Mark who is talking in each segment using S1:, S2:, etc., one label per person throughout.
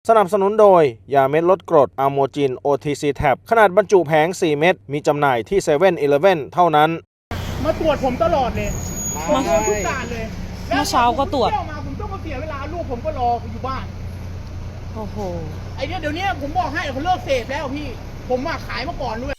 S1: สนับสนุนโดยยาเม็ดลดกรดอะโมจิน OTC Tab ขนาดบรรจุแผง 4 เม็ดมีจำหน่ายที่ 7-Eleven เท่านั้น
S2: มาตรวจผมตลอดเลยผมโดนทุกด่านเลย
S3: เมื่อเช้าก็ตรวจ
S2: มาผมต้องมาเสียเวลาลูกผมก็รออยู่บ้าน
S3: โอ้โห
S2: ไอเดี๋ยวนี้ผมบอกให้เขาเลิกเสพแล้วพี่ผมมาขายมาก่อนด้วย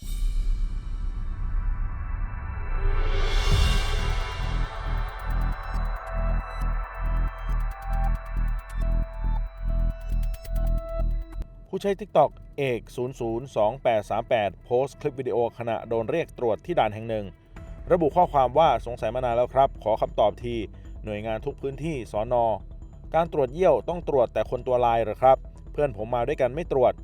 S1: ผู้ใช้ TikTok เอก 002838 โพสต์คลิปวิดีโอขณะโดนเรียกตรวจที่ด่านแห่งหนึ่งระบุข้อความว่าสงสัยมานานแล้วครับขอคำตอบทีหน่วยงานทุกพื้นที่สน.การตรวจเยี่ยวต้องตรวจแต่คนตัวลายเหรอครับเพื่อนผมมาด้วยกันไม่ตรวจ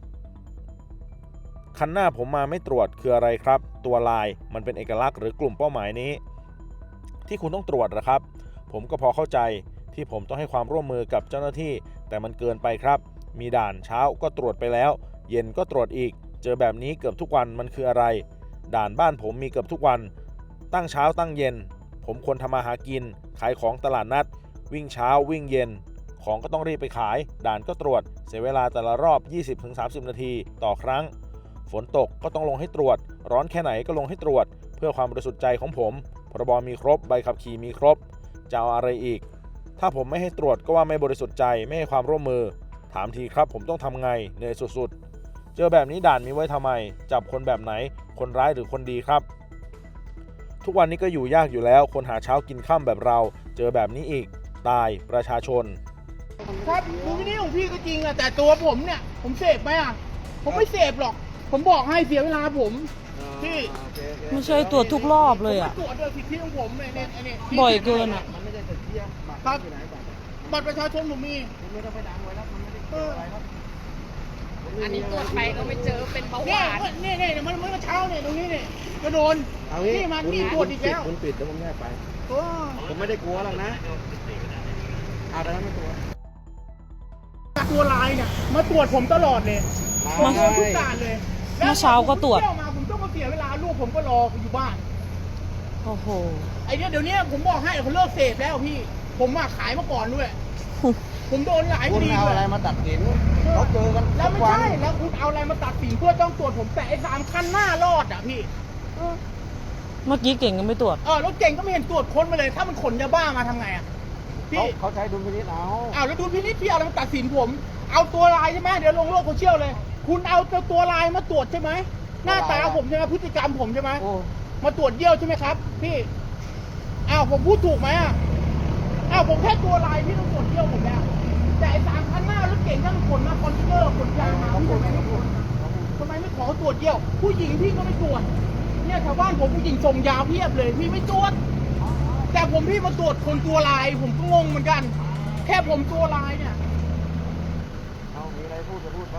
S1: คันหน้าผมมาไม่ตรวจคืออะไรครับตัวลายมันเป็นเอกลักษณ์หรือกลุ่มเป้าหมายนี้ที่คุณต้องตรวจเหรอครับผมก็พอเข้าใจที่ผมต้องให้ความร่วมมือกับเจ้าหน้าที่แต่มันเกินไปครับมีด่านเช้าก็ตรวจไปแล้วเย็นก็ตรวจอีกเจอแบบนี้เกือบทุกวันมันคืออะไรด่านบ้านผมมีเกือบทุกวันตั้งเช้าตั้งเย็นผมควรทำมาหากินขายของตลาดนัดวิ่งเช้าวิ่งเย็นของก็ต้องรีบไปขายด่านก็ตรวจเสียเวลาแต่ละรอบ 20-30 นาทีต่อครั้งฝนตกก็ต้องลงให้ตรวจร้อนแค่ไหนก็ลงให้ตรวจเพื่อความบริสุทธิ์ใจของผมพรบมีครบใบขับขี่มีครบจะเอาอะไรอีกถ้าผมไม่ให้ตรวจก็ว่าไม่บริสุทธิ์ใจไม่ให้ความร่วมมือถามทีครับผมต้องทำไงเหนื่อยสุดๆเจอแบบนี้ด่านมีไว้ทำไมจับคนแบบไหนคนร้ายหรือคนดีครับทุกวันนี้ก็อยู่ยากอยู่แล้วคนหาเช้ากินค่ำแบบเราเจอแบบนี้อีกตายประชาชน
S2: ครับดูวิธีของพี่ก็จริงอะแต่ตัวผมเนี่ยผมเสพไหมอะผมไม่เสพหรอกผมบอกให้เสียเวลาผมพี่
S3: ไม่ใช่ตรวจทุกรอบเลยอะ
S2: ตรวจโดยสิทธิของผมเนี่ย
S3: บ่อยเกินอะ
S2: มันไม่ได้สิทธิครับบัตรประชาชนผมมีไม่ต้องไปดังไว้แล้วมันไม่ได้เจออะไรครับ
S4: อันนี้ตรวจไปก็ไม่เจอเป็นเบาหวาน
S2: เนี่ยมันเมื่อเช้าเนี่ยตรงนี้เนี่ยก็โดนนี่มันนี่ตรวจอีกแล้ว
S5: คุณปิดแล้วผมแยกไปผมไม่ได้กลัวหรอกนะเอาแต่ไม่กลัว
S2: ตัวลายเนี่ยมาตรวจผมตลอดเลยผมโดนทุกด่านเลย
S3: เมื่อเช้าก็ตรวจ
S2: มาผมต้องมาเสียเวลาลูกผมก็รออยู่บ้าน
S3: โอ้โห
S2: ไอเดี๋ยวนี้ผมบอกให้เขาเลิกเสพแล้วพี่ผมมาขายมาก่อนด้วยผมโดนหลายคดี
S5: คุณเอาอะไรมาตัดสินเขาเจอกัน
S2: แล้วไม่ใช่แล้วคุณเอาอะไรมาตัดสินเพื่อต้องตรวจผมแต่ไอ้3 คันหน้ารอดอ่ะพี่
S3: เมื่อกี้เก่งก็ไม่ตรวจ
S2: รถเก่งก็ไม่เห็นตรวจค้นมาเลยถ้ามันขนยาบ้ามาทำไงอ่ะ
S5: พี่เขาใช้ดุลพินิจเอา
S2: แล้วดุลพินิจพี่เอาอะไรมาตัดสินผมเอาตัวลายใช่ไหมเดี๋ยวลงโลกโซเชียลเลยคุณเอาตัวลายมาตรวจใช่ไหมหน้าตาผมใช่ไหมพฤติกรรมผมใช่ไหมมาตรวจเยี่ยวใช่ไหมครับพี่ผมพูดถูกไหมผมแค่ตัวลายพี่ต้องตรวจเยี่ยวผมแล้วแต่3 คันหน้ารถเก่งทั้งขนมาคอนเทนเนอร์ขนยามาพี่ทำไมไม่ตรวจทำไมไม่ขอตรวจเยี่ยวผู้หญิงพี่ก็ไม่ตรวจเนี่ยชาวบ้านผมผู้หญิงส่งยาเพียบเลยพี่ไม่ตรวจแต่พี่มาตรวจคนตัวลายผมก็งงเหมือนกันแค่ผมตัวลายเนี่ย
S5: มีอะไรพูดจะพูดไหม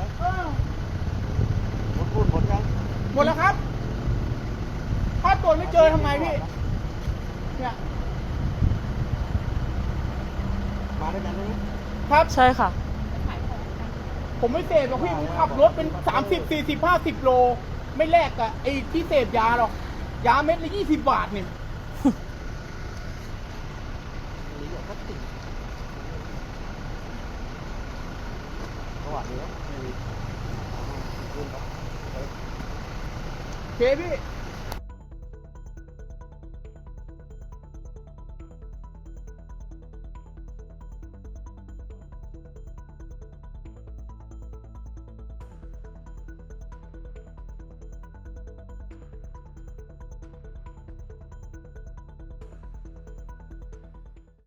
S5: พูดหมดยัง
S2: หมดแล้วครับถ้าตรวจไม่เจอทำไงพี่เนี่ย
S5: มาด้วยกันไหม
S2: ครับ
S3: ใช่ค่ะ
S2: ผมไม่เสพหรอกพี่ผมขับรถเป็น30-40-50 โลไม่แลกกับไอ้ที่เสพยาหรอกยาเม็ดละ20 บาทนี่
S5: สวัสดีครับ
S2: เคพี่